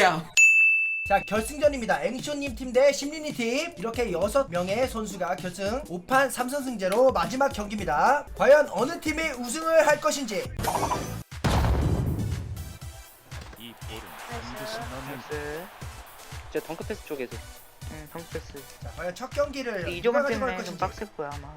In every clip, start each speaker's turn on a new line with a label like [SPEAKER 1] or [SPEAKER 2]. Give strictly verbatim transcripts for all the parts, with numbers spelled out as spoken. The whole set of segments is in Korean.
[SPEAKER 1] 개새끼야.
[SPEAKER 2] 자, 결승전입니다. 앵쇼님 팀 대 심리님 팀. 이렇게 여섯 명의 선수가 결승 오 판 삼 선승제로 마지막 경기입니다. 과연 어느 팀이 우승을 할 것인지.
[SPEAKER 3] 이 볼은 반드시 넣는
[SPEAKER 4] 나이스.
[SPEAKER 5] 저 덩크 패스 쪽에서
[SPEAKER 4] 응, 덩패스.
[SPEAKER 2] 자, 과연 첫 경기를 누가
[SPEAKER 4] 이조만
[SPEAKER 2] 가져갈
[SPEAKER 4] 때문에 좀
[SPEAKER 2] 것인지.
[SPEAKER 4] 빡셀 거야 아마.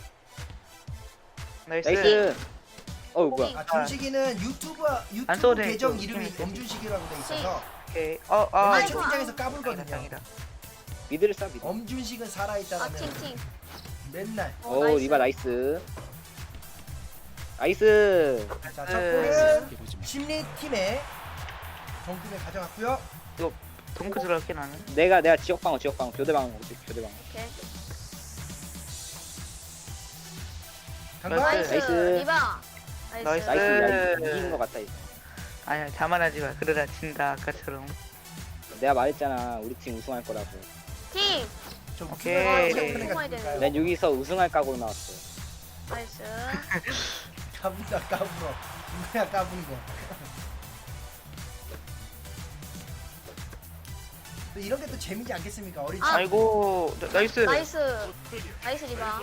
[SPEAKER 4] 나이스.
[SPEAKER 5] 나이스. 어우 뭐야.
[SPEAKER 2] 아, 준식이는 유튜브
[SPEAKER 4] 안
[SPEAKER 2] 유튜브
[SPEAKER 4] 써도 돼,
[SPEAKER 2] 계정
[SPEAKER 4] 또.
[SPEAKER 2] 이름이
[SPEAKER 4] 재밌어.
[SPEAKER 2] 엄준식이라고 돼 있어서
[SPEAKER 4] 오케이. 어, 아.
[SPEAKER 2] 맨날
[SPEAKER 6] 아이고,
[SPEAKER 2] 채팅창에서
[SPEAKER 4] 아니다,
[SPEAKER 2] 까불거든요.
[SPEAKER 4] 아니다.
[SPEAKER 5] 미드를 쏴 미드.
[SPEAKER 2] 엄준식은
[SPEAKER 6] 아
[SPEAKER 2] 살아있다라는
[SPEAKER 6] 팅팅.
[SPEAKER 2] 맨날.
[SPEAKER 6] 어,
[SPEAKER 5] 오
[SPEAKER 6] 나이스.
[SPEAKER 5] 리바 나이스. 나이스.
[SPEAKER 2] 자, 첫
[SPEAKER 4] 네.
[SPEAKER 2] 골은
[SPEAKER 3] 해보지 마.
[SPEAKER 2] 심리 팀의 정금을 가져갔고요.
[SPEAKER 4] 덩크 들어갈게 나는.
[SPEAKER 5] 내가 내가 지역방어 지역방어 교대방어 교대방어.
[SPEAKER 6] 오케이.
[SPEAKER 2] 강발.
[SPEAKER 6] 나이스.
[SPEAKER 5] 나이스.
[SPEAKER 6] 리바. 나이스.
[SPEAKER 4] 나이스.
[SPEAKER 5] 나이스. 야
[SPEAKER 4] 네.
[SPEAKER 5] 이- 이기는 것 같다 이거.
[SPEAKER 4] 아니야, 자만하지 마. 그러다 진다 아까처럼.
[SPEAKER 5] 내가 말했잖아 우리 팀 우승할 거라고.
[SPEAKER 6] 팀.
[SPEAKER 2] 저
[SPEAKER 4] 오케이.
[SPEAKER 2] 오케이.
[SPEAKER 5] 난 여기서 우승할 각오로 나왔어.
[SPEAKER 6] 나이스.
[SPEAKER 2] 까분다 까불어. 누구야 까부는 거. 또 이런 게 또 재미지 않겠습니까? 어린
[SPEAKER 6] 아.
[SPEAKER 4] 아이고, 나- 나이스.
[SPEAKER 6] 나이스. 나이스 리바.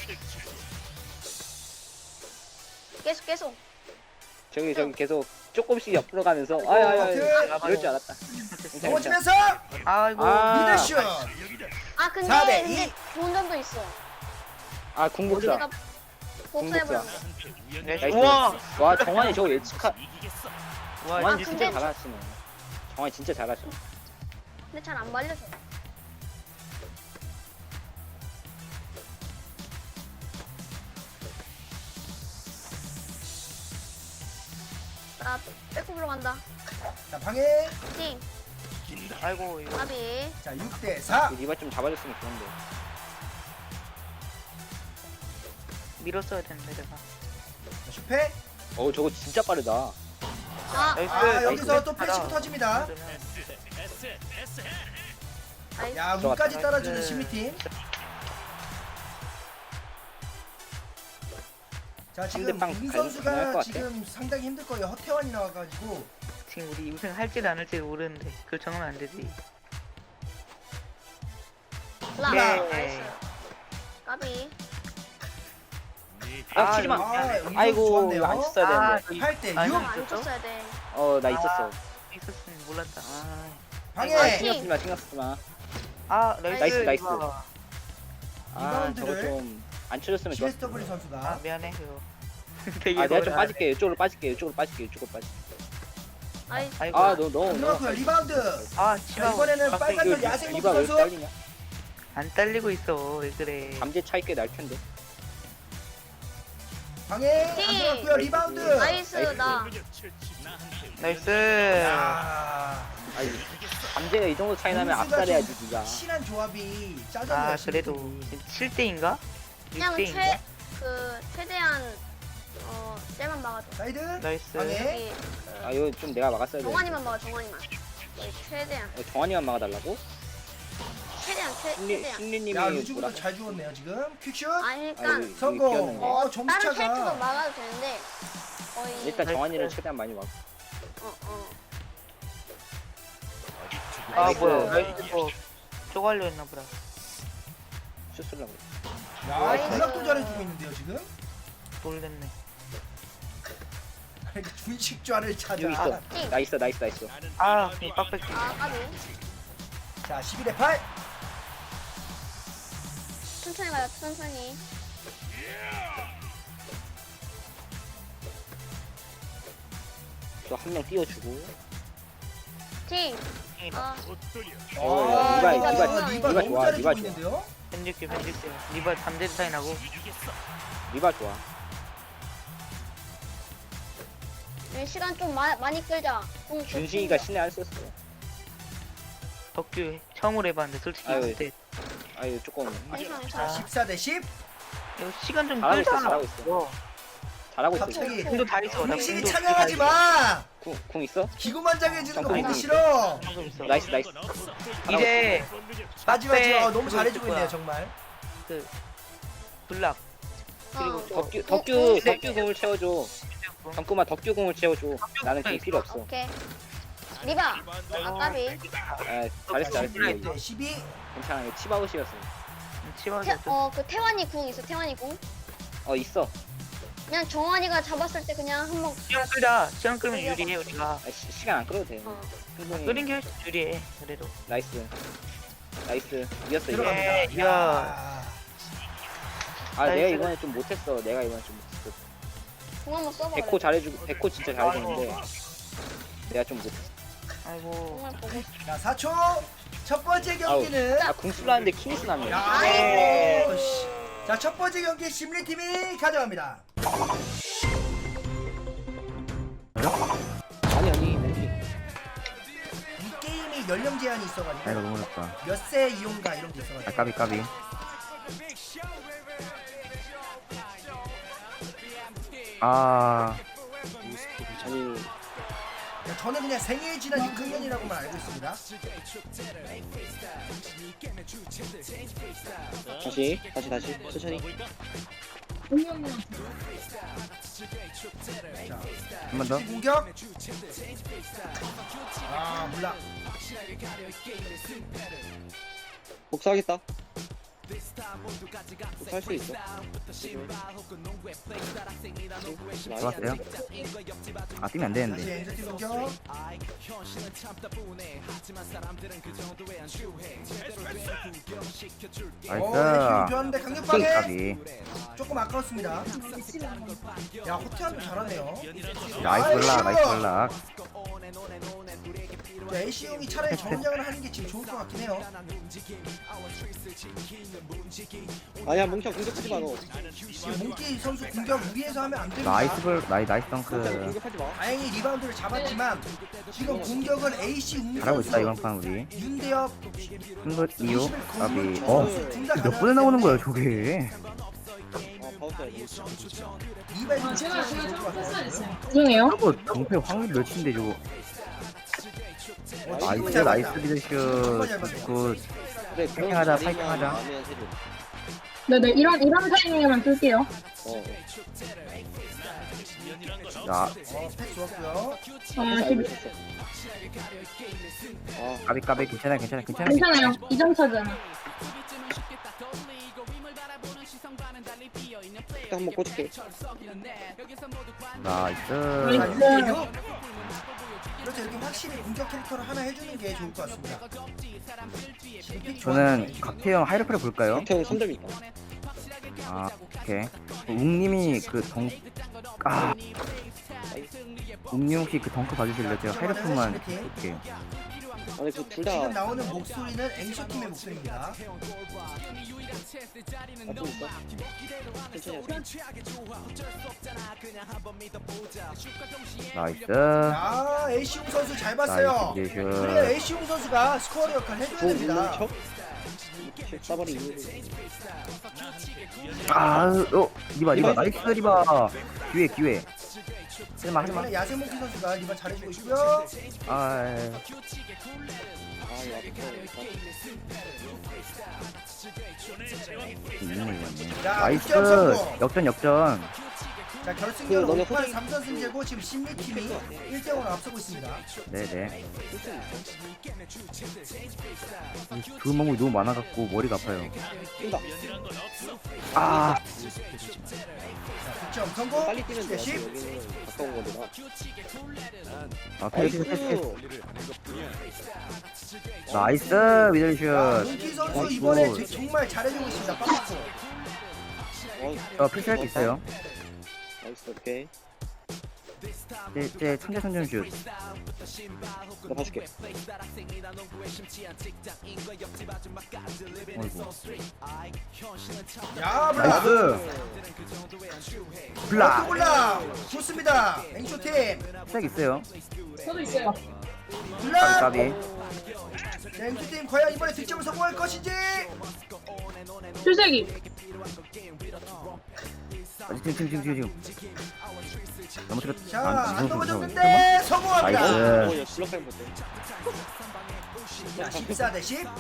[SPEAKER 6] 계속 계속.
[SPEAKER 5] 저기 저기 계속 조금씩 옆으로 가면서 아야야
[SPEAKER 2] 하트.
[SPEAKER 5] 이럴 줄 알았다.
[SPEAKER 2] 넘어지면서
[SPEAKER 4] 아이고.
[SPEAKER 5] 아.
[SPEAKER 2] 미드슛.
[SPEAKER 6] 아 근데
[SPEAKER 2] 사 대
[SPEAKER 6] 근데
[SPEAKER 2] 이.
[SPEAKER 6] 좋은 점도 있어.
[SPEAKER 5] 아 궁극사.
[SPEAKER 6] 내가 복수해버렸어.
[SPEAKER 4] 나이스.
[SPEAKER 5] 나이스.
[SPEAKER 4] 우와.
[SPEAKER 5] 와 정환이 저거 예측하.
[SPEAKER 3] 이기겠어.
[SPEAKER 4] 와,
[SPEAKER 5] 정환이
[SPEAKER 6] 아,
[SPEAKER 5] 진짜
[SPEAKER 6] 근데-
[SPEAKER 5] 잘하시네. 정환이 진짜 잘하셔.
[SPEAKER 6] 근데 잘 안 말려줘. 나 백업으로 간다.
[SPEAKER 2] 자, 방해.
[SPEAKER 6] 팀.
[SPEAKER 4] 아이고, 이거.
[SPEAKER 6] 까비.
[SPEAKER 2] 자, 육 대 사.
[SPEAKER 5] 이 리바 좀 잡아줬으면 좋은데.
[SPEAKER 4] 밀었어야 되는데 내가.
[SPEAKER 2] 자, 슈페.
[SPEAKER 5] 어우 저거 진짜 빠르다.
[SPEAKER 6] 아,
[SPEAKER 4] 나이스.
[SPEAKER 2] 아, 여기서
[SPEAKER 4] 나이스.
[SPEAKER 2] 또 패시브 터집니다.
[SPEAKER 3] S S
[SPEAKER 6] 나이스.
[SPEAKER 2] 야, 운까지
[SPEAKER 4] 들어갔다.
[SPEAKER 2] 따라주는
[SPEAKER 4] 나이스.
[SPEAKER 2] 심리팀. 자, 지금
[SPEAKER 5] 상대방
[SPEAKER 2] 문
[SPEAKER 5] 갈- 가능할
[SPEAKER 2] 선수가
[SPEAKER 5] 것 같아.
[SPEAKER 2] 지금 상당히 힘들 거예요. 허태환이 나와가지고.
[SPEAKER 4] 지금 우리 우승 할지 안 할지 모르는데 그걸 정하면 안 되지.
[SPEAKER 6] 라.
[SPEAKER 4] 오케이.
[SPEAKER 6] 나이스. 까비.
[SPEAKER 5] 아,
[SPEAKER 4] 아,
[SPEAKER 5] 치지 마.
[SPEAKER 2] 아, 이 선수
[SPEAKER 5] 아이고
[SPEAKER 2] 좋았네요.
[SPEAKER 5] 이거 안 쳤어야 되는데.
[SPEAKER 4] 이-
[SPEAKER 2] 팔 대
[SPEAKER 4] 아니,
[SPEAKER 2] 육.
[SPEAKER 6] 안 쳤어야 돼.
[SPEAKER 5] 어 나 있었어.
[SPEAKER 4] 있었으면 몰랐다. 아,
[SPEAKER 2] 방해.
[SPEAKER 6] 아,
[SPEAKER 5] 신경 쓰지 마 신경 쓰지 마.
[SPEAKER 4] 아 나이스.
[SPEAKER 5] 나이스, 나이스.
[SPEAKER 4] 이거.
[SPEAKER 5] 아
[SPEAKER 2] 리바운드를-
[SPEAKER 5] 저거 좀 안 쳐줬으면 좋았어.
[SPEAKER 2] 씨에스더블유 선수가.
[SPEAKER 4] 아 미안해 이거. 되게
[SPEAKER 5] 아 내가 좀
[SPEAKER 4] 뭐라-
[SPEAKER 5] 빠질게. 이쪽으로 빠질게. 이쪽으로 빠질게. 이쪽으로 빠질게.
[SPEAKER 6] 아이.
[SPEAKER 4] 아이고.
[SPEAKER 5] 아너 너무
[SPEAKER 2] 들어갔고요. 리바운드.
[SPEAKER 4] 아
[SPEAKER 2] 자,
[SPEAKER 4] 치마.
[SPEAKER 2] 이번에는 빨간
[SPEAKER 5] 이거
[SPEAKER 2] 별 야생
[SPEAKER 5] 리바 왜
[SPEAKER 2] 선수.
[SPEAKER 5] 딸리냐?
[SPEAKER 4] 안 딸리고 있어. 왜 그래?
[SPEAKER 5] 감제 차이 꽤 날 텐데.
[SPEAKER 2] 방해. 안
[SPEAKER 6] 팀.
[SPEAKER 2] 들어갔고요. 리바운드.
[SPEAKER 6] 나이스
[SPEAKER 5] 나이스.
[SPEAKER 6] 나.
[SPEAKER 4] 나이스.
[SPEAKER 2] 야.
[SPEAKER 5] 아니 감제가 이 정도 차이 나면
[SPEAKER 2] 공수가
[SPEAKER 5] 압살해야지
[SPEAKER 2] 좀
[SPEAKER 5] 니가.
[SPEAKER 2] 친한 조합이 짜졌네요.
[SPEAKER 4] 아 그래도
[SPEAKER 2] 심리팀이.
[SPEAKER 4] 칠 대인가?
[SPEAKER 6] 그냥
[SPEAKER 4] 육 대인가?
[SPEAKER 6] 최 그 최대한 어 쟤만 막아줘.
[SPEAKER 2] 사이드.
[SPEAKER 4] 나이스.
[SPEAKER 2] 방해.
[SPEAKER 6] 여기
[SPEAKER 5] 아 이거 좀 내가 막았어야 돼.
[SPEAKER 6] 정환이만 막아 정환이만. 여기 최대한
[SPEAKER 5] 어, 정환이만 막아달라고?
[SPEAKER 6] 최대한 최
[SPEAKER 5] 신리
[SPEAKER 6] 최대한.
[SPEAKER 5] 신리님이
[SPEAKER 2] 야,
[SPEAKER 5] 뭐라?
[SPEAKER 2] 루즈부터 잘 주웠네요 지금. 퀵슛.
[SPEAKER 6] 아니
[SPEAKER 5] 아,
[SPEAKER 6] 그러니까
[SPEAKER 5] 이거
[SPEAKER 2] 성공.
[SPEAKER 5] 비었는데.
[SPEAKER 2] 어,
[SPEAKER 6] 다른 캐릭터도
[SPEAKER 2] 점수차가.
[SPEAKER 6] 막아도 되는데 거의
[SPEAKER 5] 일단
[SPEAKER 4] 나이스.
[SPEAKER 5] 정환이를 최대한 많이 막.
[SPEAKER 6] 어 어.
[SPEAKER 4] 아
[SPEAKER 6] 나이스.
[SPEAKER 4] 뭐야? 나이스. 뭐 쪼갈려 했나 보다.
[SPEAKER 5] 슛쏠라고.
[SPEAKER 2] 야,
[SPEAKER 6] 나이스.
[SPEAKER 2] 전략도 잘해주고 있는데요 지금.
[SPEAKER 4] 놀랬네.
[SPEAKER 2] 준식좌를 찾아.
[SPEAKER 5] 여기 있어.
[SPEAKER 6] 띵.
[SPEAKER 5] 나 있어 나 있어 나 있어.
[SPEAKER 4] 아, 이 빡빡이.
[SPEAKER 6] 아 까비.
[SPEAKER 2] 자, 십일 대 팔.
[SPEAKER 6] 천천히 가요 천천히.
[SPEAKER 5] 저 한 명 띄워주고.
[SPEAKER 6] 팀. 아
[SPEAKER 5] 어,
[SPEAKER 2] 아,
[SPEAKER 5] 리바,
[SPEAKER 2] 리바,
[SPEAKER 5] 리바,
[SPEAKER 2] 리바
[SPEAKER 5] 리바
[SPEAKER 2] 너무
[SPEAKER 5] 좋아,
[SPEAKER 2] 잘해주고
[SPEAKER 5] 리바 좋아.
[SPEAKER 2] 있는데요.
[SPEAKER 4] 편집게 편집게. 리바 잠재 차이 나고.
[SPEAKER 5] 리바 좋아.
[SPEAKER 6] 네, 시간 좀 마, 많이 끌자. 좀
[SPEAKER 5] 준식이가 신의 안 썼어.
[SPEAKER 4] 덕규 처음으로 해봤는데 솔직히
[SPEAKER 5] 아유.
[SPEAKER 4] 그때
[SPEAKER 5] 아유 조금
[SPEAKER 6] 괜찮아
[SPEAKER 2] 자,
[SPEAKER 6] 괜찮아.
[SPEAKER 2] 십사 대 십.
[SPEAKER 4] 이거 시간 좀
[SPEAKER 5] 잘하고 있어,
[SPEAKER 4] 끌자.
[SPEAKER 5] 잘하고 있어.
[SPEAKER 4] 어,
[SPEAKER 5] 잘하고 있어.
[SPEAKER 2] 갑자기
[SPEAKER 4] 궁도 다 있어. 나
[SPEAKER 2] 공식이
[SPEAKER 4] 궁도
[SPEAKER 2] 찬양하지
[SPEAKER 4] 다 있어.
[SPEAKER 2] 마.
[SPEAKER 5] 궁, 궁 있어?
[SPEAKER 2] 기구만장해지는 거
[SPEAKER 5] 잠깐만.
[SPEAKER 2] 보기 싫어.
[SPEAKER 4] 방금 있어.
[SPEAKER 5] 나이스 나이스.
[SPEAKER 4] 이제
[SPEAKER 2] 마지막
[SPEAKER 4] 네,
[SPEAKER 2] 지금 어, 너무
[SPEAKER 4] 그거
[SPEAKER 2] 잘해주고
[SPEAKER 4] 있을
[SPEAKER 2] 있네요
[SPEAKER 4] 거야.
[SPEAKER 2] 정말.
[SPEAKER 4] 그 블락 그리고
[SPEAKER 6] 어.
[SPEAKER 4] 또
[SPEAKER 5] 덕규
[SPEAKER 6] 어,
[SPEAKER 5] 덕규
[SPEAKER 6] 어,
[SPEAKER 5] 덕규 공을 채워줘. 잠깐만 덕규 공을 채워줘. 나는 그게 필요 없어.
[SPEAKER 6] 오케이. 리바. 아까비.
[SPEAKER 5] 아, 잘했어 잘했어. 이게
[SPEAKER 2] 네, 십이.
[SPEAKER 5] 괜찮아. 이거 칩아웃이었어.
[SPEAKER 4] 치마도
[SPEAKER 6] 태, 어, 그 태환이 궁 있어. 태환이 궁.
[SPEAKER 5] 어 있어.
[SPEAKER 6] 그냥 정환이가 잡았을 때 그냥 한번.
[SPEAKER 4] 시간 끌자. 시간 끌면 유리해 우리가.
[SPEAKER 5] 아, 시, 시간 안 끌어도 돼.
[SPEAKER 6] 어.
[SPEAKER 5] 충분히.
[SPEAKER 4] 끓인 게 훨씬 유리해. 그래도.
[SPEAKER 5] 나이스. 나이스. 이겼어 이거.
[SPEAKER 2] 들어갑니다.
[SPEAKER 4] 예, 이야.
[SPEAKER 2] 야.
[SPEAKER 5] 아 내가
[SPEAKER 4] 나이스.
[SPEAKER 5] 이번에 좀 못했어. 내가 이번에 좀 못했어.
[SPEAKER 6] 궁 한번 써봐.
[SPEAKER 5] 백호 잘해주고 백호 진짜 잘해주는데 내가 좀 못했어.
[SPEAKER 4] 아이고.
[SPEAKER 6] 정말 보고 싶어.
[SPEAKER 2] 자, 사 초. 첫 번째 경기는
[SPEAKER 5] 아궁 쓸라는데 킹스 났네.
[SPEAKER 2] 아이고. 씨. 자, 첫 번째 경기 심리팀이 가져갑니다.
[SPEAKER 5] 아니 아니 멘트.
[SPEAKER 2] 이 게임이 연령 제한이
[SPEAKER 1] 아 이거
[SPEAKER 2] 있어가지고
[SPEAKER 1] 너무 어렵다.
[SPEAKER 2] 몇 세 이용가 이런 게
[SPEAKER 1] 아
[SPEAKER 2] 있어가지고.
[SPEAKER 1] 까비 까비. 아
[SPEAKER 5] 아니
[SPEAKER 2] 야, 저는 그냥 생일 지난 육 학년이라고만 알고 있습니다.
[SPEAKER 5] 다시 다시 다시 천천히.
[SPEAKER 2] 자,
[SPEAKER 1] 한 번 더.
[SPEAKER 2] 공격. 아, 몰라.
[SPEAKER 5] 복수하겠다. 복수할 수 있어.
[SPEAKER 1] 좋았어요. 아 뛰면 안
[SPEAKER 2] 다시
[SPEAKER 1] 되는데.
[SPEAKER 2] 엔저티 공격. 오, 네, 힘
[SPEAKER 1] 나이스.
[SPEAKER 2] 좋았는데
[SPEAKER 1] 까비
[SPEAKER 2] 강력하게
[SPEAKER 1] 까비.
[SPEAKER 2] 조금 아까웠습니다. 야, 호태환도 잘하네요.
[SPEAKER 1] 나이스 블락 나이스 블락.
[SPEAKER 2] 에이씨 형이 차라리 정장을 하는 게 지금 좋을 것 같긴 해요.
[SPEAKER 5] 아니야 뭉쳐 공격하지 마 너.
[SPEAKER 2] 지금 몽키 선수 공격 무리해서 하면 안 됩니다.
[SPEAKER 1] 나이스 블 나이 나이스 덩크.
[SPEAKER 5] 공격하지 마.
[SPEAKER 2] 다행히 리바운드를 잡았지만 지금 공격은 에이씨 웅
[SPEAKER 1] 잘하고 있다 이번
[SPEAKER 2] 선수,
[SPEAKER 1] 판 우리.
[SPEAKER 2] 윤대엽,
[SPEAKER 1] 승부 이유 까비.
[SPEAKER 2] 이십일
[SPEAKER 1] 어.
[SPEAKER 2] 둘다
[SPEAKER 1] 몇 번에 나오는 거야 저게?
[SPEAKER 5] 어 파우스야.
[SPEAKER 2] 리바이 좀 좋을 것 같아요.
[SPEAKER 7] 죄송해요.
[SPEAKER 1] 저거 정패 확률 몇인데 저거.
[SPEAKER 2] 어,
[SPEAKER 1] 나이스
[SPEAKER 2] 지금은 잘
[SPEAKER 1] 나이스
[SPEAKER 2] 봤다.
[SPEAKER 1] 미드슛.
[SPEAKER 2] 정말 잘 봤어요.
[SPEAKER 1] 굿.
[SPEAKER 5] 그래
[SPEAKER 1] 파이팅하자, 파이팅하자.
[SPEAKER 7] 네네, 이런, 이런 타이밍에만 쓸게요.
[SPEAKER 5] 어.
[SPEAKER 1] 자
[SPEAKER 2] 어, 패스 좋았고요.
[SPEAKER 7] 아, 십-
[SPEAKER 5] 아
[SPEAKER 1] 까비 까비 괜찮아 괜찮아 괜찮아.
[SPEAKER 7] 괜찮아요. 이 점 차잖아.
[SPEAKER 5] 일단 한번 꽂을게.
[SPEAKER 1] 나이스.
[SPEAKER 2] 자,
[SPEAKER 7] 나이스.
[SPEAKER 2] 윤대엽. 그렇죠, 이렇게 확실히 공격 캐릭터를 하나 해주는 게 좋을 것 같습니다. 지금 픽
[SPEAKER 1] 저는 각태형 하이로프를 볼까요?
[SPEAKER 5] 태형 삼 점 있다.
[SPEAKER 1] 아 오케이. 웅님이 그 덩. 아. 웅님 혹시 그 덩크 봐주실래요? 제가 하이로프만 볼게요.
[SPEAKER 5] 아니 그 둘
[SPEAKER 2] 지금
[SPEAKER 5] 다
[SPEAKER 2] 나오는 목소리는 앵쇼 팀의 목소리입니다.
[SPEAKER 5] 나쁘고 있어. 천천히 하자.
[SPEAKER 1] 나이스.
[SPEAKER 2] 자, 에이시웅 선수 잘 봤어요.
[SPEAKER 1] 나이스
[SPEAKER 2] 그래야
[SPEAKER 1] 미드슛.
[SPEAKER 2] 에이시웅 선수가 스코어 역할 해줘야
[SPEAKER 5] 공
[SPEAKER 2] 됩니다.
[SPEAKER 5] 뭉쳐? 싸버리 이유를.
[SPEAKER 1] 아, 어, 리바, 리바, 나이스 리바. 기회, 기회. 하지마, 하지마.
[SPEAKER 2] 이번에 야생몽키 선수가 리바 잘해주고 있고요.
[SPEAKER 1] 아,
[SPEAKER 5] 아 이거
[SPEAKER 1] 이놈을 이겼네.
[SPEAKER 2] 자,
[SPEAKER 1] 나이스.
[SPEAKER 2] 득점 성공.
[SPEAKER 1] 역전, 역전.
[SPEAKER 2] 자, 결승전
[SPEAKER 5] 그 너네
[SPEAKER 2] 오 판
[SPEAKER 5] 호텔-
[SPEAKER 2] 삼 선 승제고 지금 신미팀이 일 대 영으로 앞서고 있습니다.
[SPEAKER 1] 네네. 좋은 방법이 너무 많아갖고 머리가 아파요.
[SPEAKER 5] 뛴다.
[SPEAKER 1] 아,
[SPEAKER 2] 자, 득점 성공.
[SPEAKER 5] 빨리 뛰면 돼.
[SPEAKER 2] 십.
[SPEAKER 5] 여기는 가까운 건데 나.
[SPEAKER 1] 아, 패스, 패스, 패스.
[SPEAKER 5] 나이스.
[SPEAKER 1] 나이스,
[SPEAKER 2] 자,
[SPEAKER 1] 미들슛.
[SPEAKER 2] 문키 선수
[SPEAKER 1] 어,
[SPEAKER 2] 이번에
[SPEAKER 1] 굿.
[SPEAKER 2] 제- 정말 잘해주고 있습니다. 빠졌고.
[SPEAKER 5] 어,
[SPEAKER 1] 저 필수할 게 있어요.
[SPEAKER 5] 나이스. 오케이.
[SPEAKER 1] 제, 제 천재 선점 슛.
[SPEAKER 5] 나 봐줄게.
[SPEAKER 1] 어이구.
[SPEAKER 2] 야, 블락.
[SPEAKER 1] 나이스. 블락.
[SPEAKER 2] 블락. 좋습니다. 앵쇼 팀.
[SPEAKER 1] 시작 있어요.
[SPEAKER 7] 저도 있어요.
[SPEAKER 2] 블락.
[SPEAKER 1] 까비.
[SPEAKER 2] 자, 앵쇼 팀 과연 이번에 득점을 성공할 것인지.
[SPEAKER 7] 필살기.
[SPEAKER 1] 아, 지금, 지금, 지금, 지금, 지금. 너무 틀었.
[SPEAKER 2] 자,
[SPEAKER 1] 아,
[SPEAKER 2] 안
[SPEAKER 1] 무서워, 무서워.
[SPEAKER 2] 넘어졌는데 성공합니다.
[SPEAKER 1] 나이스.
[SPEAKER 5] 어, 야, 블럭하면 못해.
[SPEAKER 2] 자, 십사 대 십.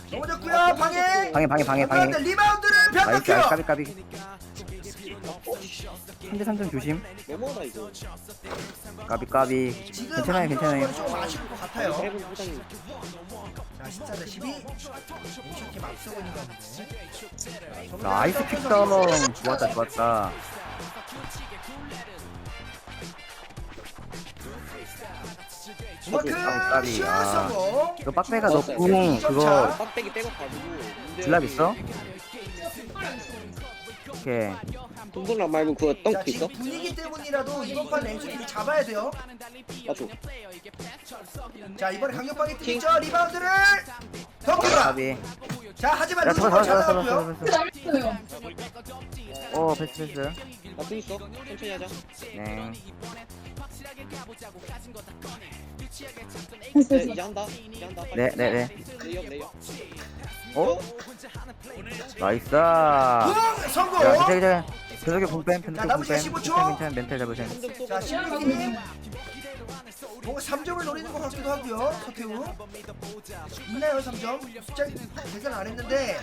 [SPEAKER 2] 넘어졌고요. 방해.
[SPEAKER 1] 방해, 방해, 방해, 방해.
[SPEAKER 2] 그런데 리바운드를
[SPEAKER 1] 나이스,
[SPEAKER 2] 변덕해요.
[SPEAKER 1] 까비, 까비. 삼 대 삼 점 조심.
[SPEAKER 5] 너무하다 이거.
[SPEAKER 1] 까비 까비.
[SPEAKER 2] 지금
[SPEAKER 1] 괜찮아요
[SPEAKER 2] 안
[SPEAKER 1] 괜찮아요.
[SPEAKER 2] 들어간 건좀 아쉬울 것 같아요.
[SPEAKER 5] 해본 부장님.
[SPEAKER 2] 자 십사 대 십이. 앵쇼팀 앞서고 있는 건데.
[SPEAKER 1] 나이스 킥다운. 좋았다 좋았다.
[SPEAKER 2] 우마크
[SPEAKER 1] 까비.
[SPEAKER 2] 슛
[SPEAKER 1] 아.
[SPEAKER 2] 성공.
[SPEAKER 1] 이거 빡배가 너
[SPEAKER 5] 좋았어요.
[SPEAKER 1] 궁 그거
[SPEAKER 5] 빡대기 백업가지고.
[SPEAKER 1] 질랍 있어? 오케이.
[SPEAKER 5] 동동락 말고 그거
[SPEAKER 2] 자
[SPEAKER 5] 덩크 있어?
[SPEAKER 2] 지금 분위기 때문이라도 이번 판 앵쇼팀이 잡아야 돼요.
[SPEAKER 5] 맞죠?
[SPEAKER 2] 자 이번에 강력하게 뛰죠. 리바운드를 덩크다.
[SPEAKER 1] 까비.
[SPEAKER 2] 자 하지만
[SPEAKER 1] 야
[SPEAKER 2] 루즈볼
[SPEAKER 1] 잡아
[SPEAKER 2] 잘
[SPEAKER 1] 잡아 잡아
[SPEAKER 2] 나왔고요.
[SPEAKER 1] 잡아 잡아.
[SPEAKER 7] 잘했어요.
[SPEAKER 1] 어 패스 패스.
[SPEAKER 5] 나도 있어. 천천히 하자.
[SPEAKER 1] 네.
[SPEAKER 7] 됐어,
[SPEAKER 5] 네,
[SPEAKER 7] 됐어.
[SPEAKER 5] 이제 한다. 이제 한다. 빨리.
[SPEAKER 1] 네 네 네.
[SPEAKER 5] 레이업 레이업.
[SPEAKER 1] 어? 나이스.
[SPEAKER 2] 붕 성공.
[SPEAKER 1] 야 괜찮아 괜찮아. 계속해 궁뱀
[SPEAKER 2] 자,
[SPEAKER 1] 편도
[SPEAKER 2] 남은 시간
[SPEAKER 1] 궁뱀.
[SPEAKER 2] 십오 초.
[SPEAKER 1] 괜찮아 괜찮아 멘탈 잡으세요.
[SPEAKER 5] 삼 점 쏘고.
[SPEAKER 2] 자 신민팀 뭔가 삼 점을 노리는 것 같기도 하고요. 서태우 있나요 삼 점? 숫자 계산 안 했는데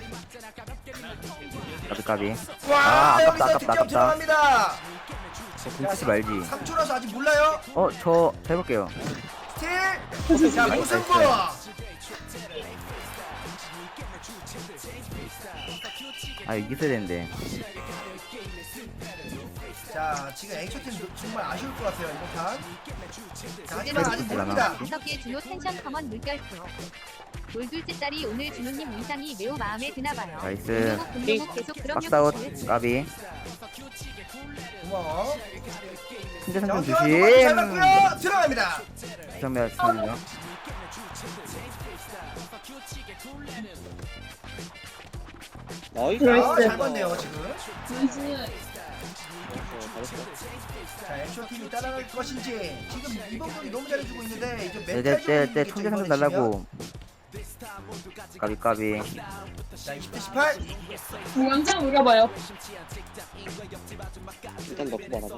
[SPEAKER 1] 까비 까비.
[SPEAKER 2] 와
[SPEAKER 1] 아, 아깝다,
[SPEAKER 2] 여기서
[SPEAKER 1] 아깝다,
[SPEAKER 2] 득점
[SPEAKER 1] 아깝다.
[SPEAKER 2] 들어갑니다.
[SPEAKER 1] 궁 치지 말지.
[SPEAKER 2] 삼 초라서 아직 몰라요.
[SPEAKER 1] 어 저 해볼게요.
[SPEAKER 2] 스틸. 자
[SPEAKER 1] 나이스,
[SPEAKER 2] 무승부.
[SPEAKER 1] 아 이거 있어야 되는데.
[SPEAKER 2] 자 지금 앵쇼팀 정말 아쉬울 것 같아요 이번 판. 자 하지만
[SPEAKER 1] 그래도
[SPEAKER 2] 아직
[SPEAKER 1] 되지 않아?
[SPEAKER 2] 모릅니다.
[SPEAKER 8] 다섯 개 준호 텐션 커먼 물결표. 돌둘째 딸이 오늘 준호님 의상이 매우 마음에 드나봐요.
[SPEAKER 1] 나이스.
[SPEAKER 8] 군용욱 군용욱 계속 그럼요.
[SPEAKER 1] 박사웃 까비.
[SPEAKER 2] 고마워.
[SPEAKER 1] 삼 대 삼
[SPEAKER 2] 자
[SPEAKER 1] 점
[SPEAKER 2] 원투와 도마도 잘
[SPEAKER 1] 조심.
[SPEAKER 2] 맞고요. 들어갑니다.
[SPEAKER 1] 정면 정면.
[SPEAKER 5] 나이스.
[SPEAKER 7] 나이스.
[SPEAKER 2] 아, 잘 봤네요 지금.
[SPEAKER 7] 나이스.
[SPEAKER 5] 잘했어.
[SPEAKER 2] 자 앵쇼팀이 따라갈 것인지 지금 이번 분이 너무 잘해주고 있는데 이제 멘탈
[SPEAKER 1] 때때때
[SPEAKER 2] 좀
[SPEAKER 1] 총대 삼 점 달라고. 까비 까비.
[SPEAKER 2] 자 이십 대 십팔.
[SPEAKER 7] 완전 우려봐요.
[SPEAKER 5] 일단 넣고 말하자.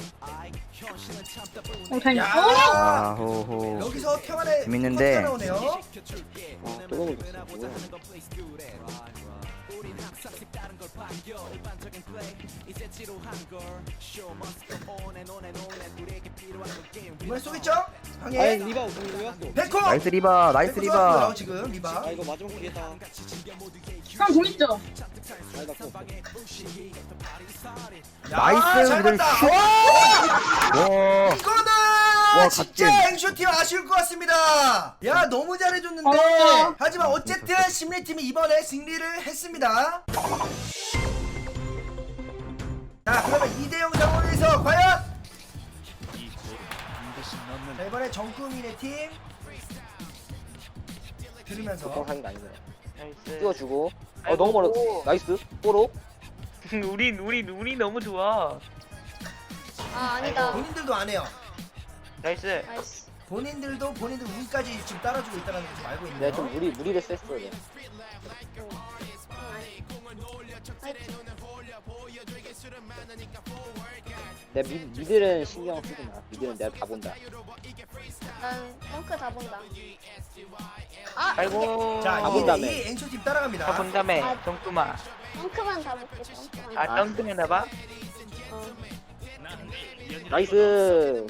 [SPEAKER 7] 어, 잘.
[SPEAKER 2] 야.
[SPEAKER 7] 어!
[SPEAKER 1] 아 호호.
[SPEAKER 2] 여기서 태환의
[SPEAKER 1] 재밌는데.
[SPEAKER 2] 컷가 나오네요.
[SPEAKER 5] 아, 또 넣어줬어. 뭐야.
[SPEAKER 2] 이번에 쏘겠죠?
[SPEAKER 5] 아니
[SPEAKER 2] 방해.
[SPEAKER 5] 리바 왜 왔어?
[SPEAKER 2] 백호.
[SPEAKER 1] 나이스 리바 나이스
[SPEAKER 2] 백호 쏘았고요,
[SPEAKER 1] 리바.
[SPEAKER 2] 지금 리바.
[SPEAKER 5] 아 이거 마지막 기회다.
[SPEAKER 7] 형, 공 있죠?
[SPEAKER 5] 아니 나고.
[SPEAKER 2] 야,
[SPEAKER 1] 나이스,
[SPEAKER 2] 잘
[SPEAKER 1] 그들
[SPEAKER 2] 봤다.
[SPEAKER 1] 슛.
[SPEAKER 2] 와,
[SPEAKER 1] 와.
[SPEAKER 2] 이거는
[SPEAKER 1] 와,
[SPEAKER 2] 진짜
[SPEAKER 1] 갓겜.
[SPEAKER 2] 앵쇼팀 아쉬울 것 같습니다. 야 너무 잘해줬는데
[SPEAKER 7] 어.
[SPEAKER 2] 하지만 어쨌든 심리팀이 이번에 승리를 했습니다. 자 그러면 이 대 영 상황에서 과연
[SPEAKER 3] 이 골은 반드시 넣는
[SPEAKER 2] 자, 이번에 정꾸민의 팀 들으면서
[SPEAKER 5] 보통 게 아니네.
[SPEAKER 4] 나이스.
[SPEAKER 5] 띄워주고. 어
[SPEAKER 4] 아이고,
[SPEAKER 5] 너무 멀어.
[SPEAKER 4] 오.
[SPEAKER 5] 나이스. 뽀로.
[SPEAKER 4] 우리 우리 우리 너무 좋아.
[SPEAKER 6] 아 아니다.
[SPEAKER 2] 본인들도 안 해요.
[SPEAKER 4] 나이스.
[SPEAKER 6] 나이스.
[SPEAKER 2] 본인들도 본인들 운까지 지금 따라주고 있다는 걸 좀 알고 있네요.
[SPEAKER 5] 내가 좀 무리 무리를 셌어. 내가. 내 미, 미들은 신경 쓰지 마. 미들은 내가 다 본다.
[SPEAKER 6] 난 덩크 다 본다. 아
[SPEAKER 4] 아이고.
[SPEAKER 2] 자
[SPEAKER 5] 다
[SPEAKER 2] 이
[SPEAKER 5] 본다며.
[SPEAKER 2] 대 이 앵쇼팀 따라갑니다.
[SPEAKER 4] 다 본다며.
[SPEAKER 6] 아.
[SPEAKER 4] 정뚜마.
[SPEAKER 6] 덩크만 다 볼게. 덩크만.
[SPEAKER 4] 아 덩크였나 봐.
[SPEAKER 6] 어.
[SPEAKER 5] 나이스.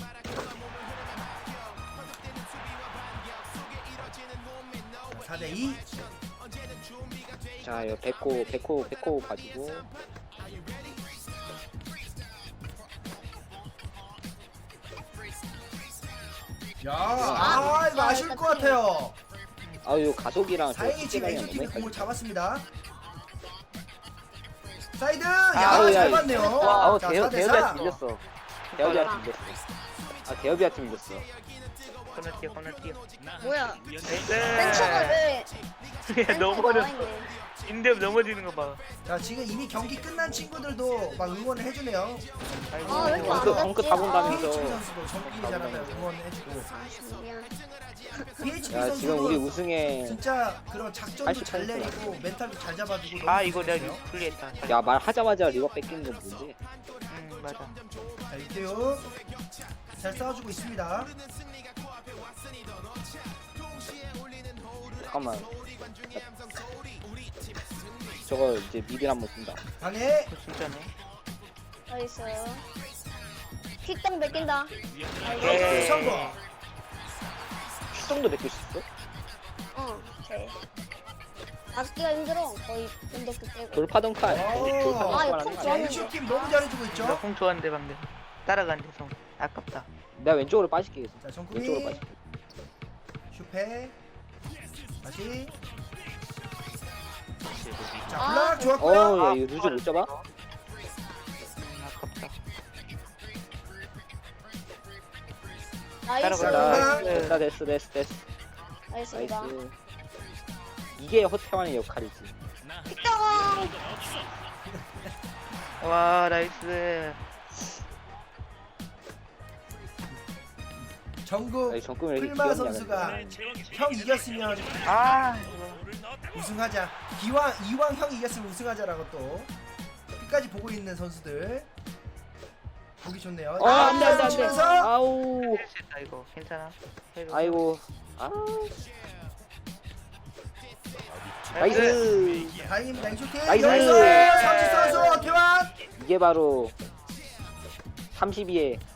[SPEAKER 2] 사 대 이.
[SPEAKER 5] 자 이거 백호 백호 백호 가지고.
[SPEAKER 2] 야, 아, 이거 아쉬울 것 같아요.
[SPEAKER 5] 아유 가속이랑 저
[SPEAKER 2] 다행히 지금
[SPEAKER 5] 스피드랑
[SPEAKER 2] 앵쇼팀이
[SPEAKER 5] 너무
[SPEAKER 2] 공을
[SPEAKER 5] 헷갈려.
[SPEAKER 2] 잡았습니다. 사이드,
[SPEAKER 5] 아우,
[SPEAKER 2] 야,
[SPEAKER 5] 야,
[SPEAKER 2] 잘
[SPEAKER 5] 야.
[SPEAKER 2] 봤네요.
[SPEAKER 5] 아우
[SPEAKER 2] 자,
[SPEAKER 5] 대여
[SPEAKER 2] 사 대
[SPEAKER 5] 대여비아
[SPEAKER 2] 사.
[SPEAKER 5] 팀 이겼어. 대여비아 팀 이겼어. 아 대여비아 팀 이겼어.
[SPEAKER 4] 건너뛰어 건너뛰어.
[SPEAKER 6] 뭐야?
[SPEAKER 4] 나이스.
[SPEAKER 6] 벤처가 왜?
[SPEAKER 4] 야, 너무
[SPEAKER 6] 벤처가
[SPEAKER 4] 어려.
[SPEAKER 6] 나와 있네.
[SPEAKER 4] 인데 넘어지는 거 봐.
[SPEAKER 2] 자, 지금 이미 경기 끝난 친구들도 막 응원을 해주네요.
[SPEAKER 4] 아이고.
[SPEAKER 6] 아, 왜 이렇게 안
[SPEAKER 5] 덩크 덩크
[SPEAKER 6] 갔지?
[SPEAKER 5] 타본다면서.
[SPEAKER 2] 피에이치피 선수도 정국이 잘한다고 응원해주고.
[SPEAKER 6] 아, 미안.
[SPEAKER 2] 피에이치피
[SPEAKER 5] 야 지금 우리
[SPEAKER 2] 선수도
[SPEAKER 5] 우승에.
[SPEAKER 2] 진짜 그런 작전도
[SPEAKER 5] 팔십
[SPEAKER 2] 잘
[SPEAKER 5] 퍼센트
[SPEAKER 2] 내리고 멘탈도 잘 잡아주고 너무
[SPEAKER 4] 아 이거 내가
[SPEAKER 2] 좋았어요.
[SPEAKER 4] 불리했다.
[SPEAKER 5] 야 말하자마자 리버 뺏기는 건 뭔지.
[SPEAKER 4] 음 맞아.
[SPEAKER 2] 자, 이태우 잘 싸워주고 있습니다.
[SPEAKER 5] 잠깐만. 저거 이제 미들 한번 쓴다.
[SPEAKER 2] 방해.
[SPEAKER 4] 그거 진짜네.
[SPEAKER 6] 나이스. 킥당 뺏긴다.
[SPEAKER 2] 나이스 성공.
[SPEAKER 5] 수정도 느낄 수 있어?
[SPEAKER 6] 어, 오케이. 맞기가 힘들어. 거의 분덕기 빼고.
[SPEAKER 5] 돌파동파.
[SPEAKER 2] 오.
[SPEAKER 6] 아, 이거 콩
[SPEAKER 2] 자,
[SPEAKER 6] 좋았는데.
[SPEAKER 2] 앵쇼 팀 너무 잘해주고 있죠.
[SPEAKER 4] 나공 좋았는데 방금 따라간대 성. 아깝다.
[SPEAKER 5] 내가 왼쪽으로 빠질게.
[SPEAKER 2] 자,
[SPEAKER 5] 왼쪽으로
[SPEAKER 2] 정국이
[SPEAKER 5] 빠질게.
[SPEAKER 2] 슈페. 다시. 자,
[SPEAKER 6] 아,
[SPEAKER 2] 블락 좋았고요.
[SPEAKER 5] 어, 야, 이거 루즈 못 잡아?
[SPEAKER 4] 음, 아깝다.
[SPEAKER 6] 나이스.
[SPEAKER 4] 따라가자.
[SPEAKER 5] 됐다, 됐다, 됐어, 됐어, 됐어.
[SPEAKER 6] 나이스입니다.
[SPEAKER 5] 나이스. 이게 허태환의 역할이지.
[SPEAKER 6] 킥당.
[SPEAKER 4] 와 나이스.
[SPEAKER 2] 정국
[SPEAKER 5] 아니, 정국이 왜 이렇게
[SPEAKER 2] 풀마
[SPEAKER 5] 귀엽냐,
[SPEAKER 2] 선수가
[SPEAKER 5] 근데.
[SPEAKER 2] 형 이겼으면
[SPEAKER 4] 아 이거.
[SPEAKER 2] 우승하자. 기왕 이왕 형 이겼으면 우승하자라고 또 끝까지 보고 있는 선수들 보기 좋네요.
[SPEAKER 5] 어, 안 돼, 안 돼, 안 돼.
[SPEAKER 2] 치면서
[SPEAKER 5] 아우.
[SPEAKER 4] 실수했다 이거. 괜찮아. 해도.
[SPEAKER 5] 아이고. 아.
[SPEAKER 4] 나이스.
[SPEAKER 5] 나이스.
[SPEAKER 2] 다행입니다. 앵쇼팀
[SPEAKER 5] 나이스.
[SPEAKER 2] 여기서 삼십 선수 교환.
[SPEAKER 5] 이게 바로 삼십이에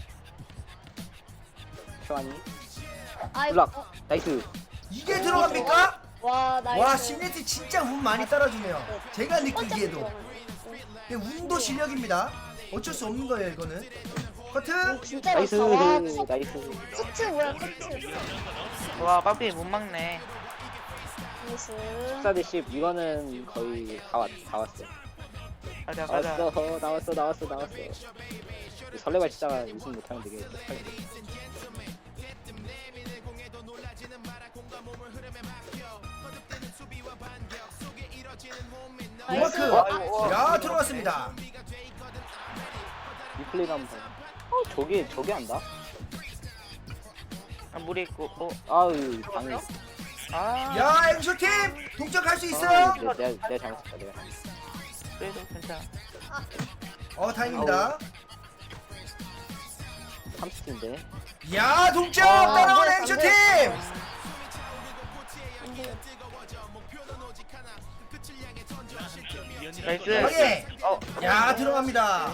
[SPEAKER 5] 태환이.
[SPEAKER 6] 아이고.
[SPEAKER 5] 블락. 나이스.
[SPEAKER 2] 이게 들어갑니까?
[SPEAKER 6] 와, 나이스.
[SPEAKER 2] 와 심리티 진짜 운 많이 따라주네요. 제가 느끼기에도. 근데 운도 실력입니다. 어쩔 수 없는 거예요 이거는. 커트.
[SPEAKER 6] 진짜
[SPEAKER 5] 나이스.
[SPEAKER 6] 좋다. 와,
[SPEAKER 5] 나이스.
[SPEAKER 6] 커트 뭐야, 커트.
[SPEAKER 4] 와 빠삐 못 막네.
[SPEAKER 6] 나이스.
[SPEAKER 5] 십사 대 십. 이거는 거의 다, 왔, 다 왔어.
[SPEAKER 4] 가자 가자.
[SPEAKER 5] 나왔어. 나왔어. 나왔어. 나왔어. 설레발 치다가 우승 못하면 되게 쪽팔린데.
[SPEAKER 2] 노마크.
[SPEAKER 4] 아이고.
[SPEAKER 2] 야 들어갔습니다.
[SPEAKER 5] 리플레이 한번 봐. 어, 저게 저게 한다?
[SPEAKER 4] 아, 물에 있고. 어.
[SPEAKER 5] 아유, 방이.
[SPEAKER 4] 아.
[SPEAKER 2] 야 앵쇼팀 동점 갈 수 있어요.
[SPEAKER 5] 아, 내가, 내가, 내가 잘못했다. 내가.
[SPEAKER 4] 그래도 괜찮아.
[SPEAKER 2] 어 다행입니다.
[SPEAKER 5] 삼십 팀인데.
[SPEAKER 2] 야 동점
[SPEAKER 6] 아,
[SPEAKER 2] 따라온
[SPEAKER 6] 뭐야,
[SPEAKER 2] 앵쇼팀.
[SPEAKER 4] 나이스.
[SPEAKER 2] 확인.
[SPEAKER 4] 어.
[SPEAKER 2] 야 들어갑니다.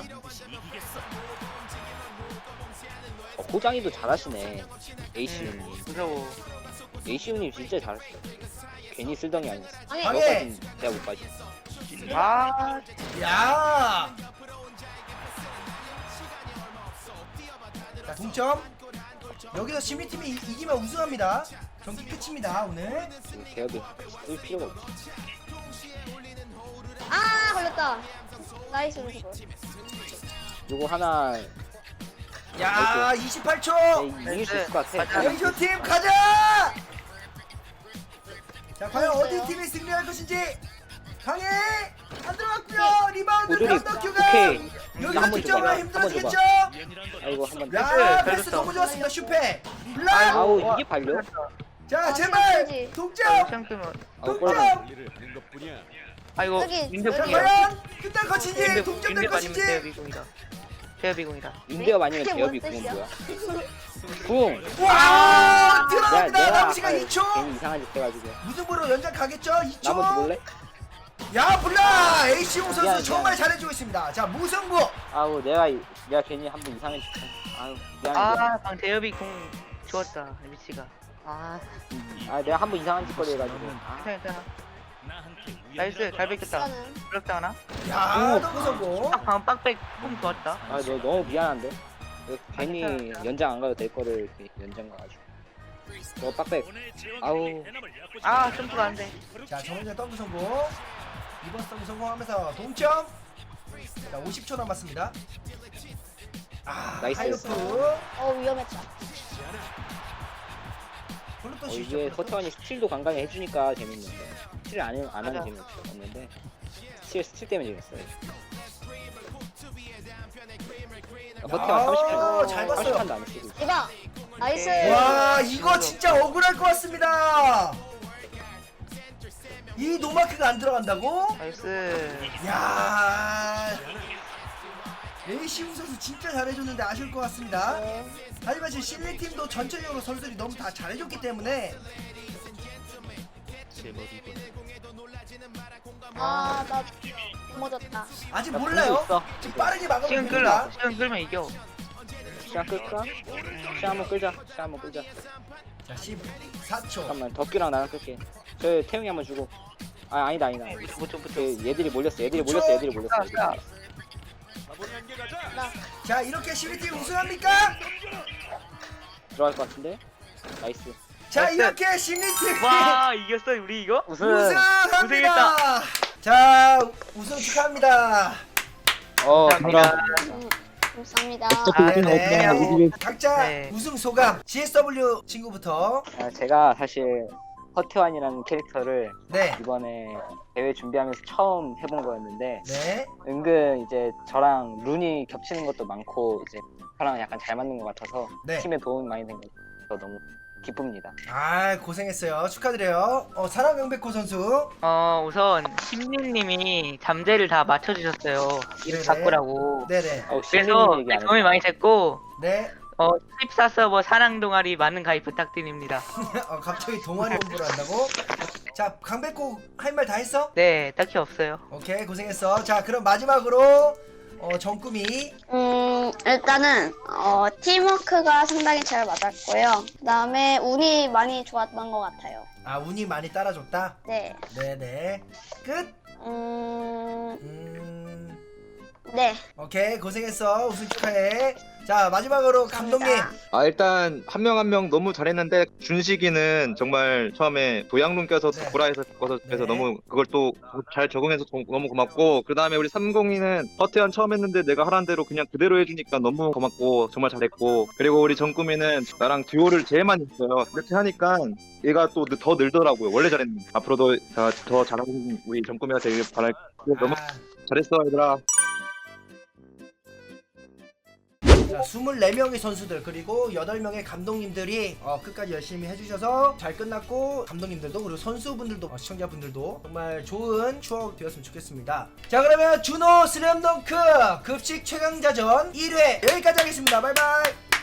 [SPEAKER 5] 어, 고장이도 잘하시네. 에이시우님.
[SPEAKER 4] 음, 무서워.
[SPEAKER 5] 에이시우님 진짜 잘하시네. 괜히 쓸덩이 아니었어.
[SPEAKER 6] 아니,
[SPEAKER 2] 방해.
[SPEAKER 5] 저거까진 내가 못 빠지.
[SPEAKER 4] 아.
[SPEAKER 2] 야. 자 동점. 여기서 심리팀이 이- 이기면 우승합니다. 경기 끝입니다 오늘.
[SPEAKER 5] 대업이 쓸 필요가 없지.
[SPEAKER 6] 아, 걸렸다. 나이스, 나이스.
[SPEAKER 5] 요거 하나
[SPEAKER 2] 야 이십팔 초.
[SPEAKER 5] 네, 이길 수 있을 것 같아.
[SPEAKER 4] 가자.
[SPEAKER 2] 앵쇼팀 가자. 자 과연 어디 팀이 승리할 것인지. 강해 안 들어갔고요. 리바운드
[SPEAKER 5] 고조리
[SPEAKER 2] 변덕규가
[SPEAKER 5] 오케이.
[SPEAKER 2] 여기서
[SPEAKER 5] 한번
[SPEAKER 2] 득점을
[SPEAKER 5] 줘봐.
[SPEAKER 2] 힘들어지겠죠.
[SPEAKER 5] 아이고 한번.
[SPEAKER 2] 야
[SPEAKER 4] 잘
[SPEAKER 2] 패스
[SPEAKER 4] 줬어.
[SPEAKER 2] 너무 좋았습니다. 슈페 블락.
[SPEAKER 5] 아우 이게 발려?
[SPEAKER 2] 자
[SPEAKER 6] 아,
[SPEAKER 2] 제발
[SPEAKER 6] 진짜지.
[SPEAKER 2] 동점
[SPEAKER 4] 시험팀은.
[SPEAKER 5] 아우
[SPEAKER 2] 동점.
[SPEAKER 5] 골.
[SPEAKER 4] 아이고.
[SPEAKER 6] 여기,
[SPEAKER 4] 민대
[SPEAKER 2] 자
[SPEAKER 6] 여기.
[SPEAKER 4] 공이야.
[SPEAKER 2] 과연 끝날 것인지
[SPEAKER 4] 민대
[SPEAKER 2] 동점 될
[SPEAKER 4] 민대 아니면
[SPEAKER 2] 것인지.
[SPEAKER 4] 대여비공이다. 대여비공이다.
[SPEAKER 5] 인대업 아니면
[SPEAKER 6] 그게
[SPEAKER 5] 대업이
[SPEAKER 6] 뭔
[SPEAKER 5] 궁은
[SPEAKER 6] 뜻이야?
[SPEAKER 5] 뭐야? 궁.
[SPEAKER 2] 와
[SPEAKER 5] 내가
[SPEAKER 2] 들어갑니다.
[SPEAKER 5] 내가
[SPEAKER 2] 남은 시간
[SPEAKER 5] 아까
[SPEAKER 2] 이 초.
[SPEAKER 5] 괜히 이상한 짓 해가지고.
[SPEAKER 2] 무승부로 연장 가겠죠. 이 초.
[SPEAKER 5] 나머지 몰래?
[SPEAKER 2] 야 블락 에이시오 선수
[SPEAKER 5] 미안,
[SPEAKER 2] 정말
[SPEAKER 5] 미안.
[SPEAKER 2] 잘해주고 있습니다. 자 무승부.
[SPEAKER 5] 아우 내가 이- 내가 괜히 한번 이상한 짓. 한- 아유 미안해. 미안해.
[SPEAKER 4] 아, 방 대여비공 좋았다. 미치가. 아,
[SPEAKER 5] 아 내가 한번 이상한 짓거리 해가지고. 아,
[SPEAKER 4] 괜찮아 괜찮아. 나이스. 잘 뺏겼다.
[SPEAKER 6] 시간은.
[SPEAKER 4] 부럽다 하나?
[SPEAKER 2] 야
[SPEAKER 5] 오.
[SPEAKER 2] 너무 성공.
[SPEAKER 4] 딱 방금 빡백 폼 좋았다.
[SPEAKER 5] 아, 너 너무 미안한데. 이거 괜히
[SPEAKER 4] 괜찮아.
[SPEAKER 5] 연장 안 가도 될 거를 이렇게 연장 가가지고. 너 빡백. 아우.
[SPEAKER 4] 아, 점프가 안 돼.
[SPEAKER 2] 자 정은재 덩크 성공. 이번 서브 성공하면서 동점. 자 오십 초 남았습니다. 아
[SPEAKER 5] 나이스.
[SPEAKER 2] 하이로프.
[SPEAKER 6] 어, 위험했다.
[SPEAKER 2] 별로 또
[SPEAKER 5] 어,
[SPEAKER 2] 쉽죠.
[SPEAKER 5] 이게 허태환이 스틸도 간간히 해주니까 재밌는데. 스틸 안, 해, 안 하는
[SPEAKER 4] 맞아.
[SPEAKER 5] 재미 없는데. 스틸, 스틸 때문에 재밌어요. 허태환 삼십 판.
[SPEAKER 2] 잘 봤어요.
[SPEAKER 5] 삼십 판도 안 쓰고 있어.
[SPEAKER 6] 이봐. 나이스.
[SPEAKER 2] 와 이거 진짜 억울할 것 같습니다. 이 노마크가 안 들어간다고?
[SPEAKER 4] 나이스.
[SPEAKER 2] 야 레이시우 선수 진짜 잘해줬는데 아쉬울 것 같습니다.
[SPEAKER 6] 네.
[SPEAKER 2] 하지만 지금 실리팀도 전체적으로 선수들이 너무 다 잘해줬기 때문에
[SPEAKER 6] 아, 나 넘어졌다.
[SPEAKER 2] 아직
[SPEAKER 5] 야,
[SPEAKER 2] 몰라요.
[SPEAKER 5] 있어.
[SPEAKER 2] 지금 빠르게 막으면
[SPEAKER 4] 시간
[SPEAKER 2] 됩니다.
[SPEAKER 4] 끌라. 시간 끌면 이겨.
[SPEAKER 5] 시간 끌까? 시간 한번 끌자. 시간 한번 끌자.
[SPEAKER 2] 자, 십사 초.
[SPEAKER 5] 잠깐만 덕규랑 나랑 끌게. 저 태용이 한번 주고. 아 아니다 아니다.
[SPEAKER 4] 붙여 붙여.
[SPEAKER 5] 그 얘들이 몰렸어. 얘들이 몰렸어. 얘들이 몰렸어. 얘들이
[SPEAKER 4] 야, 야.
[SPEAKER 5] 몰렸어.
[SPEAKER 2] 자, 이렇게 십이 팀 우승합니까?
[SPEAKER 5] 들어갈 것 같은데. 나이스.
[SPEAKER 2] 자,
[SPEAKER 4] 나이스.
[SPEAKER 2] 이렇게 심리팀
[SPEAKER 4] 와 이겼어 우리 이거?
[SPEAKER 5] 우승.
[SPEAKER 2] 우승합니다.
[SPEAKER 4] 우승했다.
[SPEAKER 2] 자, 우승 축하합니다.
[SPEAKER 5] 어
[SPEAKER 4] 감사합니다.
[SPEAKER 6] 음, 감사합니다.
[SPEAKER 4] 아,
[SPEAKER 2] 네.
[SPEAKER 4] 네.
[SPEAKER 2] 각자
[SPEAKER 4] 네.
[SPEAKER 2] 우승 소감. 지에스더블유 친구부터.
[SPEAKER 5] 아, 제가 사실 허태환이라는 캐릭터를
[SPEAKER 2] 네.
[SPEAKER 5] 이번에 대회 준비하면서 처음 해본 거였는데
[SPEAKER 2] 네.
[SPEAKER 5] 은근 이제 저랑 룬이 겹치는 것도 많고 이제 저랑 약간 잘 맞는 것 같아서
[SPEAKER 2] 네.
[SPEAKER 5] 팀에 도움이 많이 된 것 같아서 너무 기쁩니다.
[SPEAKER 2] 아, 고생했어요. 축하드려요. 어, 사랑 명백호 선수.
[SPEAKER 4] 어 우선 심리님이 잠재를 다 맞춰주셨어요. 이름
[SPEAKER 2] 네네.
[SPEAKER 4] 바꾸라고.
[SPEAKER 2] 네네.
[SPEAKER 5] 어,
[SPEAKER 4] 그래서
[SPEAKER 5] 신민님 얘기 안
[SPEAKER 4] 도움이
[SPEAKER 5] 했어.
[SPEAKER 4] 많이 됐고
[SPEAKER 2] 네.
[SPEAKER 4] 어 십사 서버 사랑 동아리 많은 가입 부탁드립니다.
[SPEAKER 2] 어, 갑자기 동아리 공부를 한다고? 자, 강백호 할 말 다 했어?
[SPEAKER 4] 네 딱히 없어요.
[SPEAKER 2] 오케이, 고생했어. 자, 그럼 마지막으로 어, 정꾸미.
[SPEAKER 6] 음, 일단은 어, 팀워크가 상당히 잘 맞았고요. 그다음에 운이 많이 좋았던 것 같아요.
[SPEAKER 2] 아, 운이 많이 따라줬다.
[SPEAKER 6] 네.
[SPEAKER 2] 네네. 끝.
[SPEAKER 6] 음,
[SPEAKER 2] 음.
[SPEAKER 6] 네.
[SPEAKER 2] 오케이, 고생했어. 우승 축하해. 자, 마지막으로 감독님.
[SPEAKER 6] 감사합니다.
[SPEAKER 9] 아 일단 한 명 한 명 너무 잘했는데 준식이는 정말 처음에 도양론 껴서
[SPEAKER 2] 네.
[SPEAKER 9] 구라에서 바꿔서 그래서
[SPEAKER 2] 네.
[SPEAKER 9] 너무 그걸 또 잘 적응해서 도- 너무 고맙고 그 다음에 우리 삼공이는 허태현 처음 했는데 내가 하라는 대로 그냥 그대로 해주니까 너무 고맙고 정말 잘했고 그리고 우리 정꾸미는 나랑 듀오를 제일 많이 했어요. 이렇게 하니까 얘가 또 더 늘더라고요. 원래 잘했는데 앞으로도 더, 더 잘하는 우리 정꾸미가 되길 바랄 너무
[SPEAKER 2] 아,
[SPEAKER 9] 잘했어 얘들아.
[SPEAKER 2] 자, 이십사 명의 선수들 그리고 여덟 명의 감독님들이 어, 끝까지 열심히 해주셔서 잘 끝났고 감독님들도 그리고 선수분들도 어, 시청자분들도 정말 좋은 추억 되었으면 좋겠습니다. 자, 그러면 준호 슬램덩크 급식 최강자전 일 회 여기까지 하겠습니다. 바이바이.